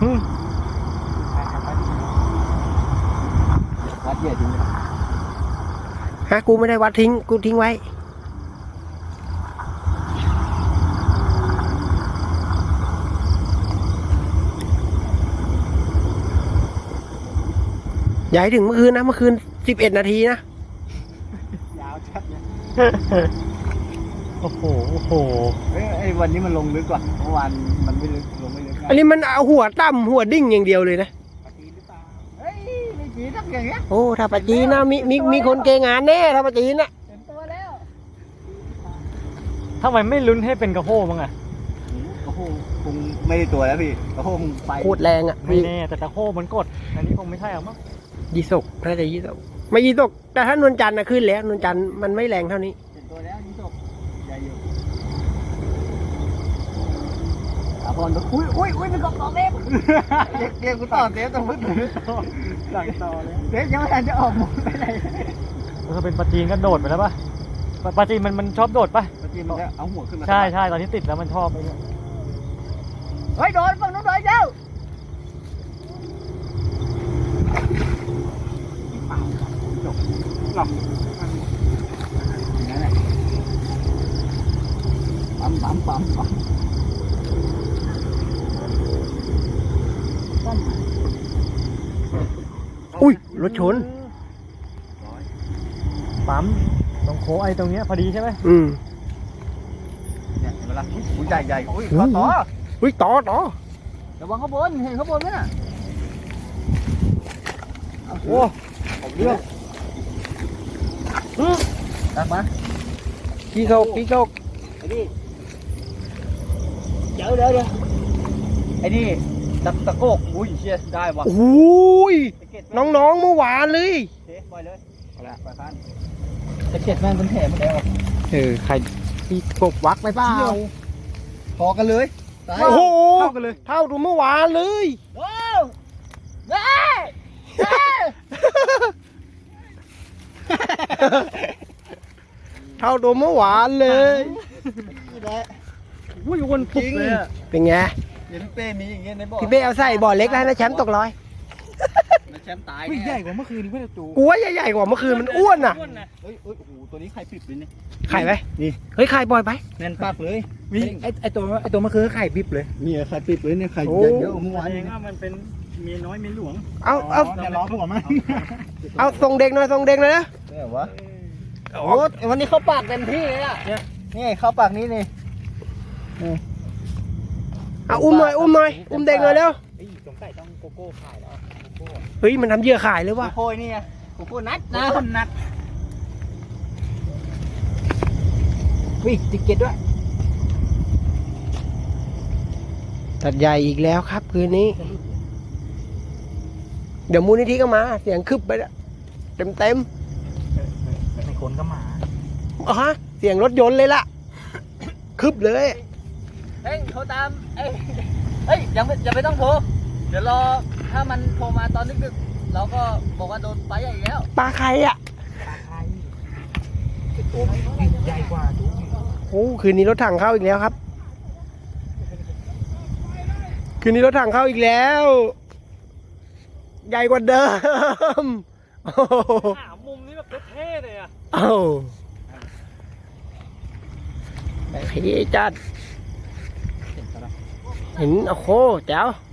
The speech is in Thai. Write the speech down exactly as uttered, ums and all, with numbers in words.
วัดเยอะจริงฮะกูไม่ได้วัดทิ้งกูทิ้งไว้อย่าให้ถึงเมื่อคืนนะเมื่อคืนสิบเอ็ดนาทีนะยาวชัดเลยโอ้โหโอ้โหเฮ้ยไอ้วันนี้มันลงลึกกว่าเมื่อวานมันไม่ลึกลงไม่ลึกอันนี้มันเอาหัวต่ำหัวดิ่งอย่างเดียวเลยนะปะจีนหรือเปล่าเฮ้ยไม่จีนทักอย่างเงี้ยโอ้ถ้าปะจีนนะมีมีมีคนเกงานแน่ถ้าปะจีนนะเห็นตัวแล้วทำไมไม่ลุ้นให้เป็นกระโห้บ้างอะกระโหคงไม่ได้ตัวแล้วพี่กระโหคงไปโคตรแรงอ่ะไม่แน่แต่กระโห้มันกดอันนี้คงไม่ใช่หรอกมั้งยี่สกน่าจะยี่สกไม่ยี่สกแต่ถ้านวลจันทร์นะขึ้นแล้วนวลจันทร์มันไม่แรงเท่านี้เห็นตัวแล้วยี่สกใหญ่อยู่อาพรก็อุ้ยอุ้ยอุ้ยเป็นกองต่อเทปเกมกูต่อเทปต้องพึ่งหลังต่อเลยเทปยังไม่ทันจะออกหมดไปไหนถ้าเป็นปลาจีนก็โดดไปแล้วป่ะปลาจีนมันมันชอบโดดป่ะปลาจีนมันก็เอาหัวขึ้นมาใช่ใช่ตอนที่ติดแล้วมันชอบไอ้เนี่ยเฮ้ยโดนฝั่งนู้นโดนเจ้าหลับนั่นแหละปั๊มปั๊มปั๊มปั๊มอุ้ยรถชนปั๊มตรงโค้งไอ้ตรงเนี้ยพอดีใช่ไหมอืมเนี่ยเห็นไหมล่ะอุ้ยใหญ่ใหญ่อุ้ยต่อต่ออุ้ยต่อต่อระวังข้างบนเห็นข้างบนไหมน่ะโอ้เรื่องตักมาพี่เขาพี่เขาไอ้นี่เดี๋ยวเดี๋ยวเดี๋ยวไอ้นี่ตะตะโกกอุ้ยเชี่ยได้ว่ะอุ้ยน้องๆเมื่อวานเลยเฮ้ปล่อยเลยเอาละปล่อยคันตะเกียบแม่งเป็นแถมหมดแล้วเออใครพี่กบวักไปเปล่าพอกันเลยโอ้โหเท่ากันเลยเท่าดูเมื่อวานเลยโอ้เฮ้ยเท่าดูเมื่อวานเลยนี่แหละอุ้ยวนปุบเลยเป็นไงเดี๋ยวพี่เป้มีอย่างเงี้ยในบ่อพี่เป้เอาใส่บ่อเล็กแล้วนะแชมป์ตกร้อยแชมป์ตายใหญ่กว่าเมื่อคืนเพื่อนจูกูว่าใหญ่ๆกว่าเมื่อคืนมันอ้วนอ่ะเฮ้ยโอ้โหตัวนี้ไข่ปิดเลยนี่ไข่ไหมนี่เฮ้ยไข่ปล่อยไปแน่นปากเลยมีไอไอตัวไอตัวเมื่อคืนไข่ปิบเลยนี่ไข่ปิดเลยเนี่ยไข่เยอะเมื่อวานเองว่ามันเป็นเมียน้อยเมียหลวงเอาเอาเนี่ยล้อผมมั้งเอาส่งเด็กหน่อยส่งเด็กหน่อยนะเนี่ยวะโอ้วันนี้เข้าปากเต็มที่เลยอ่ะนี่เข้าปากนี้นี่เอาอุ้มหน่อยอุ้มหน่อยอุ้มเด็กหน่อยเร็วสงสัยต้องโกโก้ขายแล้วเฮ้ยมันทำเหยื่อขายเลยวะโกโก้นี่ไงโกโก้นัดนะคนนัดวิ่งติเกตด้วยตัดใหญ่อีกแล้วครับคืนนี้เดี๋ยวมูลนิธิก็มาเสียงคึบไปเต็มเต็มในคนก็มาอ๋อฮะเสียงรถยนต์เลยล่ะคึบเลยเฮ้ยโทรตามเอ้ยเฮ้ยยังไม่ยังไม่ต้องโทรเดี๋ยวรอถ้ามันโทรมาตอนดึกๆเราก็บอกว่าโดนปลาใหญ่แล้วปลาใครอ่ะปลาใครตัวใหญ่กว่าดูโอ้คืนนี้รถถังเข้าอีกแล้วครับคืนนี้รถถังเข้าอีกแล้วใหญ่กว่าเดิมหามุมนี้แบบเท่เลยอ่ะเอ้าเฮ้ยจัดเห็นโอ้โหเจ้า